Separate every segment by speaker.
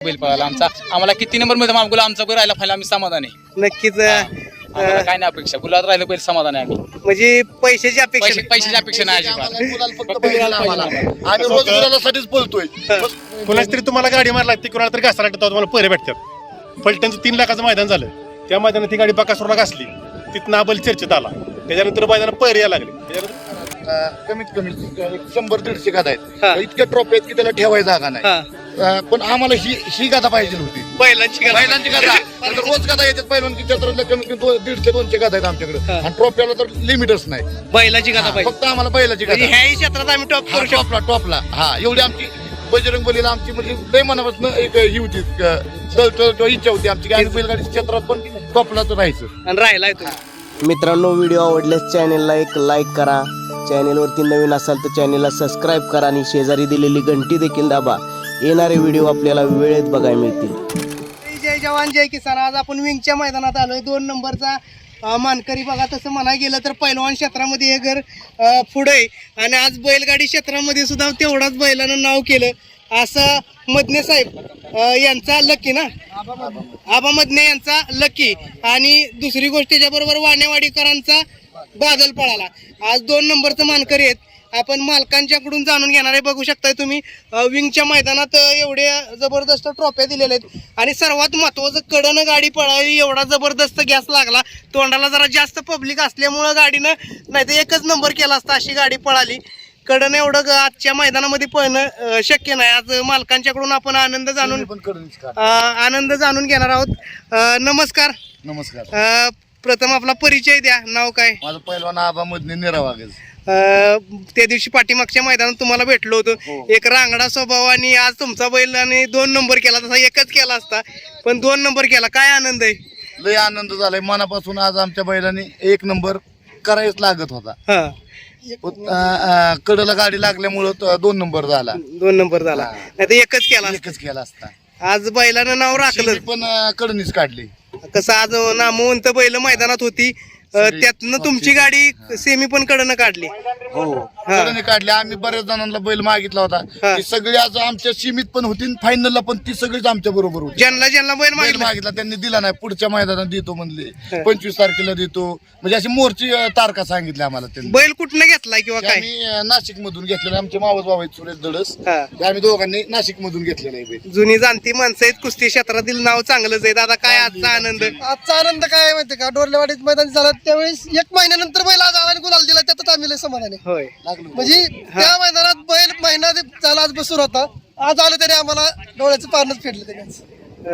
Speaker 1: बैल पळाला आमचा, आम्हाला किती नंबर मध्ये गुलाल आमचा बैल राहिला फायला आम्ही समाधान आहे.
Speaker 2: नक्कीच.
Speaker 1: आम्हाला काय नाही अपेक्षा, गुलाल राहिलं बैल समाधान आहे आम्ही.
Speaker 2: म्हणजे पैशाची अपेक्षा नाही.
Speaker 1: पैशाची अपेक्षा नाही अजिबात.
Speaker 3: आम्ही रोज गुलालासाठीच बोलतोय.
Speaker 4: कोणाच तरी तुम्हाला गाडी मारला ती कोणाला तरी घासाला तुम्हाला पैरे भेटतात. फलटणचं 3 लाखाचं मैदान झालं, त्या मैदानात ती गाडी बकासूरला घासली, तिथं नाबल चर्चेत आला, त्याच्यानंतर मैदानात पैरे यायला लागले.
Speaker 3: कमीत कमी 100-150 गादा आहेत, इतक्या ट्रॉफी आहेत की त्याला ठेवायची जागा नाही. पण आम्हाला ही गादा पाहिजे होती,
Speaker 2: बैलांची
Speaker 3: बैलांची गादा. रोज गादा येतात पहिलवान की क्षेत्रातल्या कमीत कमी 150-200 गादा आहेत आमच्याकडे, आणि ट्रॉफीला तर लिमिटच नाही.
Speaker 2: बैलाची गाथा पाहिजे.
Speaker 3: फक्त आम्हाला बैलाची गादा.
Speaker 2: ह्याही क्षेत्रात आम्ही टॉप करू शकतो.
Speaker 3: टॉपला हा एवढी आमची बजरंग बलीला आमची म्हणजे लय मनापासून एक ही होती, इच्छा होती आमची की आम्ही बैलगाडी क्षेत्रात पण टॉपला तर राहायचं.
Speaker 2: आणि राहिलाय तुम्ही.
Speaker 5: मित्रांनो, व्हिडिओ आवडल्यास चॅनेलला एक लाईक करा. चॅनेलवरती नवीन असाल तर चॅनेलला सबस्क्राईब करा आणि शेजारी दिलेली घंटी देखील दाबा. येणारे व्हिडिओ आपल्याला वेळेत बघायला मिळतील.
Speaker 2: जय जवान जय किसान. आज आपण विंगच्या मैदानात आलोय. 2 नंबरचा मानकरी बघा. तसं म्हणाय गेलं तर पैलवान क्षेत्रामध्ये हे घर पुढे आहे, आणि आज बैलगाडी क्षेत्रामध्ये सुद्धा तेवढाच बैलानं नाव केलं. असं मदने साहेब यांचा लकी ना, आबा मदने यांचा लकी, आणि दुसरी गोष्ट त्याच्याबरोबर वाणेवाडीकरांचा बादल पळाला. आज 2 नंबरचं मानकरी आहेत. आपण मालकांच्याकडून जाणून घेणार आहे. बघू शकताय तुम्ही विंगच्या मैदानात एवढे जबरदस्त ट्रॉफ्या दिलेल्या आहेत, आणि सर्वात महत्वाचं कडनं गाडी पळाली. एवढा जबरदस्त गॅस लागला. तोंडाला जरा जास्त पब्लिक असल्यामुळं गाडीनं नाही तर 1च नंबर केला असता, अशी गाडी पळाली. कडनं एवढं आजच्या मैदानामध्ये पळणं शक्य नाही. आज मालकांच्याकडून आपण आनंद जाणून घेणार आहोत. नमस्कार.
Speaker 3: नमस्कार.
Speaker 2: प्रथम आपला परिचय द्या. नाव काय?
Speaker 3: माझं पहिलवान आबा मधने निरावागज.
Speaker 2: त्या दिवशी पाठीमागच्या मैदानात तुम्हाला भेटलो होतो. एक रांगडा स्वभाव, आणि आज तुमचा बैल आणि 2 नंबर केला. तसा 1च केला असता, पण 2 नंबर केला. काय आनंद आहे?
Speaker 3: लय आनंद झालाय मनापासून. आज आमच्या बैलांनी 1 नंबर करायच लागत होता. कडला गाडी लागल्यामुळं 2 नंबर झाला.
Speaker 2: 2 नंबर झाला, नाही तर 1च केला.
Speaker 3: 1च केला असता.
Speaker 2: आज बैलानं नाव राखलं,
Speaker 3: पण कडनीच काढली.
Speaker 2: कसं आज नामवंत बैल मैदानात होती, त्यातनं तुमची गाडी सेमी पण कडनं काढली.
Speaker 3: कडनी काढली. आम्ही बऱ्याच जणांना बैल मागितला होता, ती सगळी आज आमच्या सीमित पण होती, फायनलला पण ती सगळीच आमच्या बरोबर होती.
Speaker 2: ज्यांना बैल
Speaker 3: मागितला त्यांनी दिला नाही. पुढच्या मैदानात देतो म्हणले, 25 तारखेला देतो, म्हणजे अशी मोर्ची तारखा सांगितल्या आम्हाला त्यांनी.
Speaker 2: बैल कुठनं घेतलाय किंवा काय?
Speaker 3: आम्ही नाशिक मधून घेतलेला. आमचे मावस भाऊ आहेत सुरेश दडस, आम्ही दोघांनी नाशिक मधून घेतलेला आहे बैल.
Speaker 2: जुनी जाणती माणसं आहेत. कुस्ती क्षेत्रातील नाव चांगलंच आहे. दादा काय आजचा आनंद?
Speaker 6: आजचा आनंद काय माहितीये का, डोरलेवाडीत मैदान झालं त्यावेळेस 1 महिन्यानंतर बैल आज आला आणि गुलाल दिला, त्यातच आम्ही लय समाधानी.
Speaker 2: होय,
Speaker 6: म्हणजे त्या मैदानात बैल महिना झाला आज बसून होता, आज आलं त्याने आम्हाला डोळ्याचं पारणच फेडलं त्याने.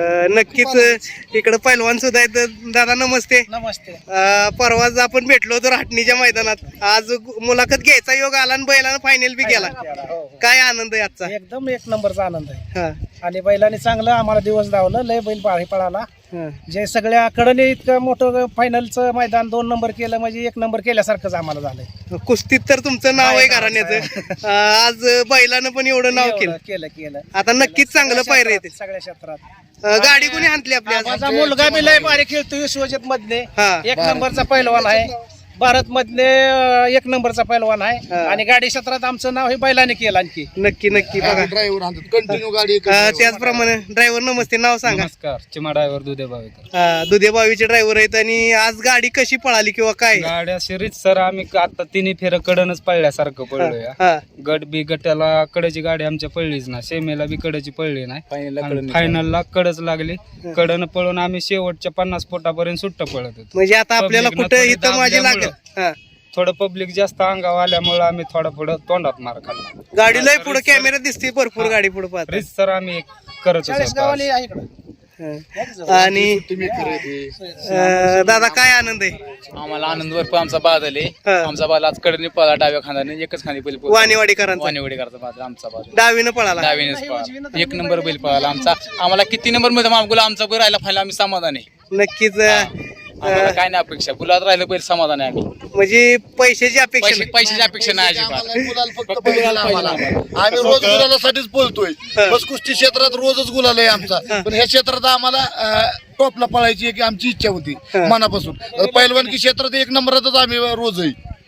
Speaker 2: नक्कीच. इकडे पैलवान सुद्धा आहेत. दादा नमस्ते.
Speaker 6: नमस्ते.
Speaker 2: परवाच आपण भेटलो होतो राहटणीच्या मैदानात. आज मुलाखत घ्यायचा योग आला आणि बैलानं फायनल बी केला. काय आनंद आहे आजचा?
Speaker 6: एकदम 1 नंबरचा आनंद आहे. आणि बैलाने चांगलं आम्हाला दिवस धावलं. लय बैल पळाला. जे सगळ्या कडने इतकं मोठं फायनलचं मैदान 2 नंबर केलं, म्हणजे 1 नंबर केल्यासारखंच आम्हाला झालंय.
Speaker 2: कुस्तीत तर तुमचं नाव आहे घराण्याचं. आज बैलानं पण एवढं नाव केलं. आता नक्कीच चांगलं पायरे येते
Speaker 6: सगळ्या क्षेत्रात.
Speaker 2: गाडी कोणी हाणली आपल्या?
Speaker 6: माझा मुलगा बी लय भारी खेळतो. विश्वजित मधने 1 नंबरचा पैलवान आहे. भारत मधले 1 नंबरचा पैलवान आहे, आणि गाडी क्षेत्रात आमचं नाव हे बैलाने केलं. आणखी
Speaker 2: नक्की बघा.
Speaker 3: ड्रायव्हर आणतात कंटिन्यू गाडी.
Speaker 2: त्याचप्रमाणे ड्रायव्हर नमस्ते. नाव सांगा.
Speaker 1: नमस्कार. चिमा ड्रायव्हर दुधे बावीकर.
Speaker 2: दुधे बावीचे ड्रायव्हर आहेत. आणि आज गाडी कशी पळाली किंवा काय?
Speaker 1: गाड्या शिरीत सर आम्ही आता 3 फेर कडनच पळल्यासारखं पळलोय. गट बी गटाला कडेची गाडी आमच्या पळलीच ना, सेमेला बी कडेची पळली नाही, फायनलला कडच लागली. कडन पळून आम्ही शेवटच्या 50 फुटापर्यंत सुट्ट पळत होतो.
Speaker 2: म्हणजे आता आपल्याला कुठं इथं माझी लागेल.
Speaker 1: थोडं पब्लिक जास्त अंगावर आल्यामुळे आम्ही थोडा पुढे तोंडात मार खाल्ला.
Speaker 2: गाडी लय पुढे कॅमेरा दिसते भरपूर. गाडी पुढे पाहत
Speaker 1: सर आम्ही करत
Speaker 6: गावाली आहे इकडं.
Speaker 2: आणि दादा काय आनंद आहे?
Speaker 1: आम्हाला आनंद भरपूर. आमचा बादल आहे. आमचा बादल आज कडनी पळाला डाव्या खांद्याने, 1च खांदी बैल
Speaker 2: वाणेवाडीकरांचा.
Speaker 1: वाणेवाडीकरचा बादल आमचा बादल
Speaker 2: डावीनं पळाला.
Speaker 1: डावीनेच पळाला. 1 नंबर बैल पळाला आमचा. आम्हाला किती नंबर मध्ये गुलाल आमचा बैल राहिला फायला आम्ही समाधान आहे.
Speaker 2: नक्कीच.
Speaker 1: आम्हाला काय नाही अपेक्षा, गुलाल राहिलं बैल समाधान आहे आम्ही.
Speaker 2: म्हणजे पैशाची अपेक्षा नाही.
Speaker 1: पैशाची अपेक्षा नाही अजिबात.
Speaker 3: गुलाल फक्त पाहिजे आम्हाला. आम्ही रोज गुलालासाठीच बोलतोय. बस कुस्ती क्षेत्रात रोजच गुलाल आहे आमचा, पण ह्या क्षेत्रात आम्हाला टॉपला पळायची की आमची इच्छा होती मनापासून. पहिलवानकी क्षेत्रात 1 नंबरातच आम्ही रोज आहे.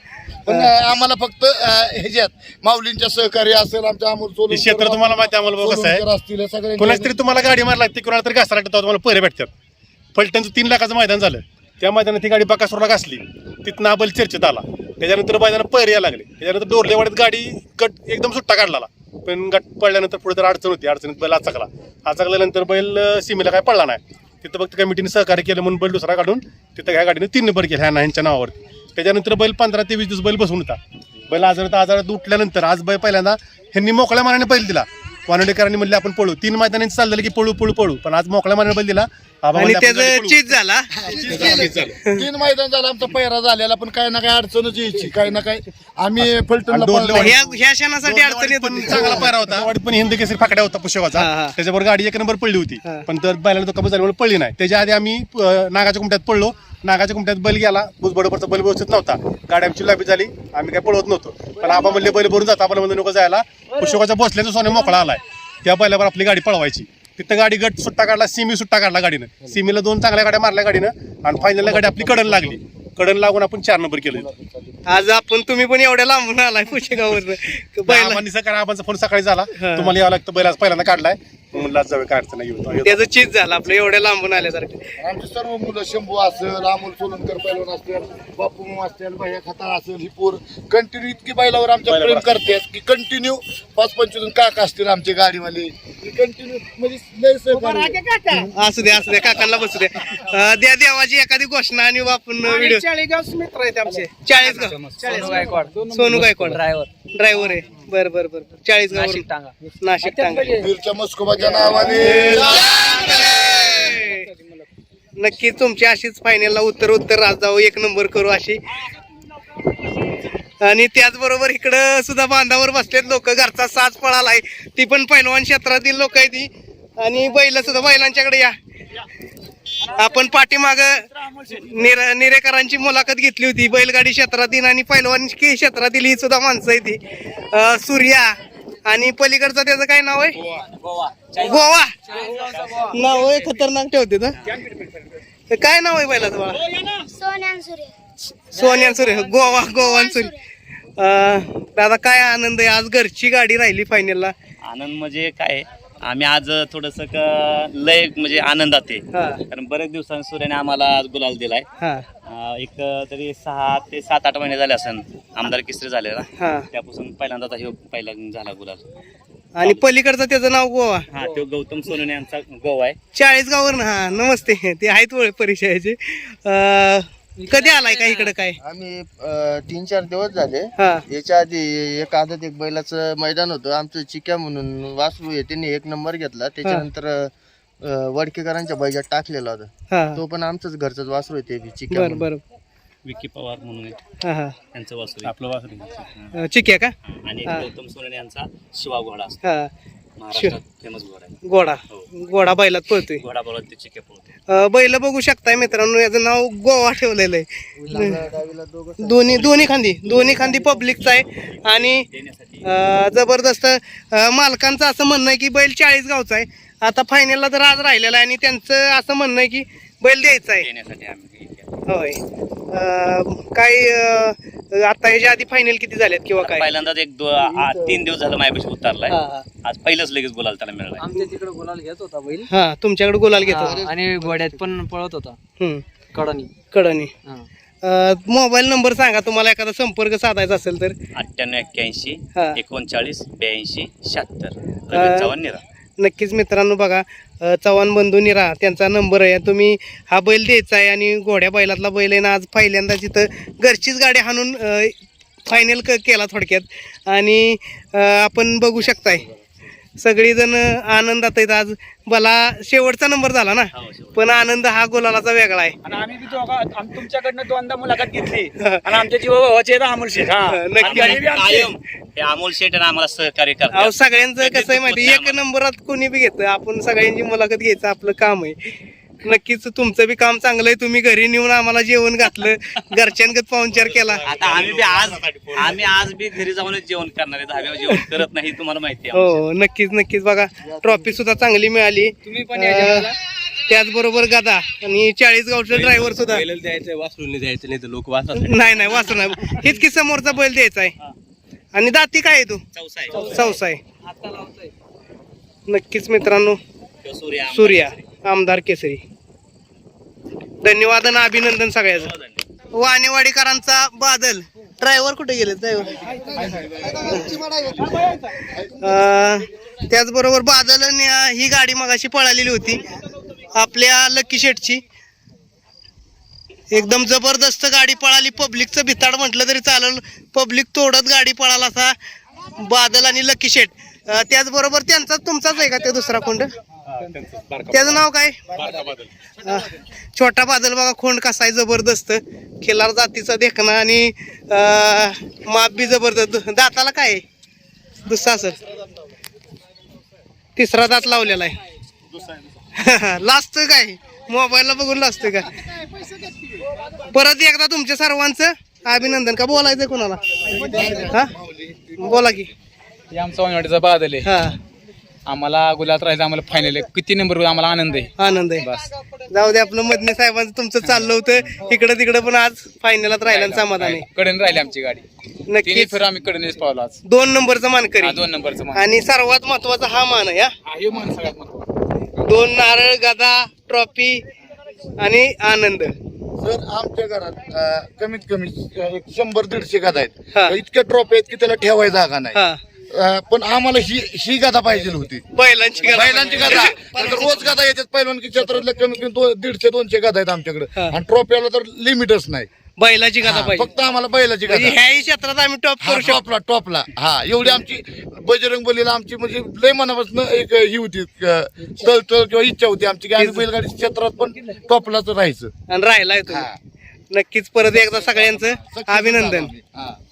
Speaker 3: पण आम्हाला फक्त ह्याच्यात माऊलींच्या सहकार्य असेल आमच्या अमोल
Speaker 4: हे क्षेत्र तुम्हाला माहिती आहे, आम्हाला कसं आहे,
Speaker 3: असतील सगळे
Speaker 4: कोणाच तरी तुम्हाला गाडी मार लागते, कोणाला तरी घासाला लागतं, तुम्हाला पैरे भेटतात. फलटणचं 3 लाखाचं मैदान झालं, त्या मैदानात ती गाडी बकासूरला घासली, तिथनं आबल चर्चेत आला, त्याच्यानंतर मैदानात पैरे यायला लागले, त्याच्यानंतर डोरलेवाडीत गाडी गट एकदम सुट्टा काढला, पण गट पडल्यानंतर पुढे तर अडचण होती, अडचणीत बैल आचकल्यानंतर बैल सीमेला काय पडला नाही. तिथं फक्त कमिटीने सहकार्य केलं म्हणून बैल दुसरा काढून तिथं ह्या गाडीने 3 नंबर केला ह्यांच्या नावावरती. त्याच्यानंतर बैल 15 ते 20 दिवस बैल बसून होता. बैल आजारात उठल्यानंतर आज बैल पहिल्यांदा ह्यांनी मोकळ्या मनाने बैल दिला. वानडेकरांनी म्हणले आपण पळू, 3 मैदानांनी चाललेलं की पळू पण आज मोकळ्या मनाने बैल दिला.
Speaker 2: आणि त्याचं चीज झाला.
Speaker 3: 3 मैदान झालं आमचा पैरा झालेला, पण काही ना काही अडचणच यायची, काही ना काही आम्ही फलटणला
Speaker 2: ह्या क्षणासाठी अडचण येत
Speaker 4: पण
Speaker 2: होती.
Speaker 4: चांगला पायरा होता, वाडीत पण हिंद केसरी फाकड्या होता पुष्कळचा, त्याच्यावर गाडी 1 नंबर पडली होती, पण तर बैलाला तो कमी झाल्यामुळे पडली नाही. त्याच्या आधी आम्ही नागाच्या कुमट्यात पडलो, नागाच्या कुमट्यात बैल गेला, भुजबडोबरचा बैल व्यवस्थित नव्हता, गाडी आमची लांबी झाली, आम्ही काय पळवत नव्हतो, पण आबा म्हणले बैल भरून जाता, आम्हाला म्हणजे नको जायला, पुष्कळचा बसल्याचा सोने मोकळा आलाय, त्या बैलावर आपली गाडी पळवायची. तिथं गाडी गट सुट्टा काढला, सिमी सुट्टा काढला गाडीनं, सिमीला 2 चांगल्या गाड्या मारल्या गाडीनं, आणि फायनलला गाडी आपली कडन लागली, कडन लागून आपण 4 नंबर केलं.
Speaker 2: आज तुम्ही पण एवढ्या लांबून आलाय पुशेगाववर.
Speaker 4: आबांचा फोन सकाळी झाला, तुम्हाला यावं लागतं, बैल आज पहिल्यांदा काढलाय, म्हणलं जावे काय अडचण नाही.
Speaker 2: त्याचं चीज झालं आपलं एवढ्या लांबून आल्यासारखं.
Speaker 3: आमची सर्व मुलं शंभू असेल, अमोल सोलनकर पैलवान असतील, बापू असतील, भैया खताळ असेल, ही पोर कंटिन्यू इतकी बैलावर आमच्या प्रेम करतात की कंटिन्यू 5-25 काका असतील आमचे गाडीवाले, कंटिन्यू म्हणजे लय सहकार्य.
Speaker 2: असू द्या काकांना बसू द्या. द्या देवाची एखादी घोषणा आणि आपण व्हिडिओ.
Speaker 6: चाळीसगाव मित्र आहेत आमचे.
Speaker 2: 40गाव सोनू गायकवाड ड्रायव्हर आहे. बरं 40गाव नाशिक टांगा.
Speaker 3: वीरच्या मस्कोबाच्या नावाने
Speaker 2: नक्की तुमची अशीच फायनलला उत्तर राज जाऊ, 1 नंबर करू अशी. आणि त्याचबरोबर इकडं सुद्धा बांधावर बसलेत लोक, घरचा साज पळालाय, ती पण पैलवान क्षेत्रातील लोक आहे ती. आणि बैल सुद्धा बैलांच्याकडे या. आपण पाठीमाग निरेकरांची मुलाखत घेतली होती, बैलगाडी क्षेत्रातील आणि पैलवानी क्षेत्रातील ही सुद्धा माणसं आहे ती. सूर्या आणि पलीकडचं त्याचं काय नाव आहे, गोवा नाव आहे, खतरनाक ठेवते ना. काय नाव आहे बैलाचं बाळा? सोन्यान सूर्य, गोवान सूर्य. दादा काय आनंद आहे, आज घरची गाडी राहिली फायनलला.
Speaker 7: आनंद म्हणजे काय, आम्ही आज थोडस लय म्हणजे आनंदात आहे, कारण बरेच दिवसांनी सूर्याने आम्हाला आज गुलाल दिलाय. एक तरी 6 ते 7-8 महिने झाले असेल आमदार केसरी झालेला, त्यापासून पहिल्यांदा पहिला झाला गुलाल.
Speaker 2: आणि पलीकडचं त्याचं नाव गोवा,
Speaker 7: तो गौतम सोनवणे यांचा गोवा आहे,
Speaker 2: 40गाववर. हा नमस्ते, ते आहेत ओळख परिचयाचे. कधी आलाय का इकडे? काय
Speaker 8: आम्ही 3-4 दिवस झाले. याच्या आधी एक आदत एक बैलाचं मैदान होतं आमचं, चिक्या म्हणून वासरू आहे, त्यांनी 1 नंबर घेतला. त्याच्यानंतर वडकेकरांच्या बैजात टाकलेला होता, तो पण आमचंच घरचंच वासरू आहे, ते चिक्या.
Speaker 2: बरं
Speaker 7: विकी पवार म्हणून त्यांचं वासरू, आपलं वासरू
Speaker 2: चिक्या का?
Speaker 7: आणि गौतम सोनवणे यांचा शिवा घोडा असतो, महाराष्ट्रात फेमस घोडा आहे.
Speaker 2: घोडा बैलात पळतोय,
Speaker 7: घोडा बोलत ते चिके पळतो.
Speaker 2: बैल बघू शकताय मित्रांनो, याचं नाव गोवा ठेवलेलं आहे. दोन्ही खांदी पब्लिकचा आहे. आणि जबरदस्त मालकांचं असं म्हणणं आहे की बैल 40गावचा आहे. आता फायनलला तर आज राहिलेला आहे, आणि त्यांचं असं म्हणणं आहे की बैल द्यायचा आहे. होय. काय आता ह्याच्या आधी फायनल किती झाल्यात किंवा काय?
Speaker 7: पहिल्यांदाच 3 दिवस झालं माझ्यापाशी उतरलाय, आज पहिलंच लगेच गुलाल त्याला मिळाला.
Speaker 9: आमच्या तिकडे गुलाल घेत होता बैल.
Speaker 2: तुमच्याकडे गुलाल घेतो
Speaker 9: आणि घोड्यात पण पळत होता
Speaker 2: कडनी. मोबाईल नंबर सांगा, तुम्हाला एखादा संपर्क साधायचा असेल तर.
Speaker 7: 9881 39 82 76 चव्हाण निरा.
Speaker 2: नक्कीच मित्रांनो बघा, चव्हाण बंधू निरा त्यांचा नंबर आहे. तुम्ही हा बैल द्यायचा आहे, आणि घोड्या बैलातला बैल आहे ना, आज पहिल्यांदा तिथं घरचीच गाडी हाणून फायनल केला थोडक्यात. आणि आपण बघू शकताय सगळीजण आनंदात आहेत. आज मला शेवटचा नंबर झाला ना, पण आनंद हा गुलालाचा वेगळा आहे.
Speaker 10: आणि आम्ही तुमच्याकडनं 2दा मुलाखत घेतली, आणि आमच्या जीवाचे अमोल शेठ.
Speaker 7: हे अमोल शेठ आम्हाला सहकार्य करतात.
Speaker 2: सगळ्यांचं कसं आहे माहिती, 1 नंबरात कोणी बी घेतं, आपण सगळ्यांची मुलाखत घ्यायचं आपलं काम आहे. नक्कीच तुमचं बी काम चांगलं आहे, तुम्ही घरी नेऊन आम्हाला जेवण घातलं, घरच्यांगत पाहुणचार केला.
Speaker 7: आता आम्ही आज बी घरी जाऊनच जेवण करणार आहे, धाब्यावर जेवण करत नाही, तुम्हाला माहिती आहे.
Speaker 2: हो नक्कीच बघा, ट्रॉफी सुद्धा चांगली मिळाली.
Speaker 10: तुम्ही पण या जेवायला.
Speaker 2: त्याचबरोबर गदा आणि 40 गावचं ड्रायव्हर सुद्धा
Speaker 8: द्यायचं वासरून द्यायचं नाही तर लोक वाचतात.
Speaker 2: नाही वासरू नाही, हेच की समोरचा बैल द्यायचा आहे. आणि दाती काय आहे तू? चौसा आहे. नक्कीच मित्रांनो, सूर्या आमदार केसरी. धन्यवाद आणि अभिनंदन सगळ्याचं. वाणेवाडीकरांचा बादल ड्रायव्हर कुठे गेले? त्याचबरोबर बादल ही गाडी मगाशी पळालेली होती आपल्या लकी शेटची. एकदम जबरदस्त गाडी पळाली. पब्लिकचं भिताड म्हटलं तरी चालेल, पब्लिक तोडत गाडी पळाला असा बादल आणि लकी शेट. त्याचबरोबर त्यांचाच तुमचाच आहे का ते दुसरा खोंड? त्याचं नाव काय? छोटा बादल. बघा खोंड कसा आहे, जबरदस्त खिलार जातीचा देखणा आणि माप बी जबरदस्त. दाताला काय आहे? दुसरा असेल, तिसरा दात लावलेला आहे. लाजतोय काय? मोबाईलला बघून लाजतोय का? परत एकदा तुमच्या सर्वांचं अभिनंदन. का बोलायचं कोणाला? हा बोला की.
Speaker 10: आमचा वाणेवाडीचा बादल आहे.
Speaker 2: हा
Speaker 10: आम्हाला गुलात राहायचं, आम्हाला फायनल आहे. किती नंबर आम्हाला आनंद आहे.
Speaker 2: आनंद आहे. जाऊ दे, आपलं मदने साहेबांचं तुमचं चाललं होतं इकडं तिकडं, पण आज फायनलात राहिला समाधान आहे.
Speaker 10: कडन राहिली आमची गाडी.
Speaker 2: नक्की
Speaker 10: फिर आम्ही कडनेच पावलो आज.
Speaker 2: 2 नंबरचा मानकरी.
Speaker 10: 2 नंबरचं मान.
Speaker 2: आणि सर्वात महत्वाचा हा मान आहे.
Speaker 10: हे मान सगळ्यात महत्त्वाचं.
Speaker 2: 2 नारळ, गदा, ट्रॉफी आणि आनंद.
Speaker 3: सर आमच्या घरात कमीत कमी 100-150 गादा
Speaker 2: हा.
Speaker 3: आहेत. इतक्या ट्रॉफी आहेत की त्याला ठेवायची जागा नाही.
Speaker 2: हा
Speaker 3: पण आम्हाला ही गादा पाहिजे होती,
Speaker 2: बैलांची गदा.
Speaker 3: बैलांची गादा. नाहीतर रोज गादा येतात पहिलवानकी क्षेत्रातल्या कमीत कमी 150-200 गादा आहेत आमच्याकडे.
Speaker 2: हा.
Speaker 3: आणि ट्रॉफीला तर लिमिटच नाही.
Speaker 2: बैलाची गदा
Speaker 3: हा,
Speaker 2: पाहिजे.
Speaker 3: फक्त आम्हाला बैलाची गादा.
Speaker 2: म्हणजे ह्याही क्षेत्रात आम्ही टॉप करू शकतो.
Speaker 3: टॉपला हा एवढी आमची बजरंग बलीला आमची म्हणजे लय मनापासून एक ही होती तळतळ किंवा इच्छा होती आमची की आम्ही बैलगाडी क्षेत्रात पण टॉपलाच राहायचं.
Speaker 2: आणि राहिलाय तुम्ही. नक्कीच परत एकदा सगळ्यांचं अभिनंदन.
Speaker 3: हा.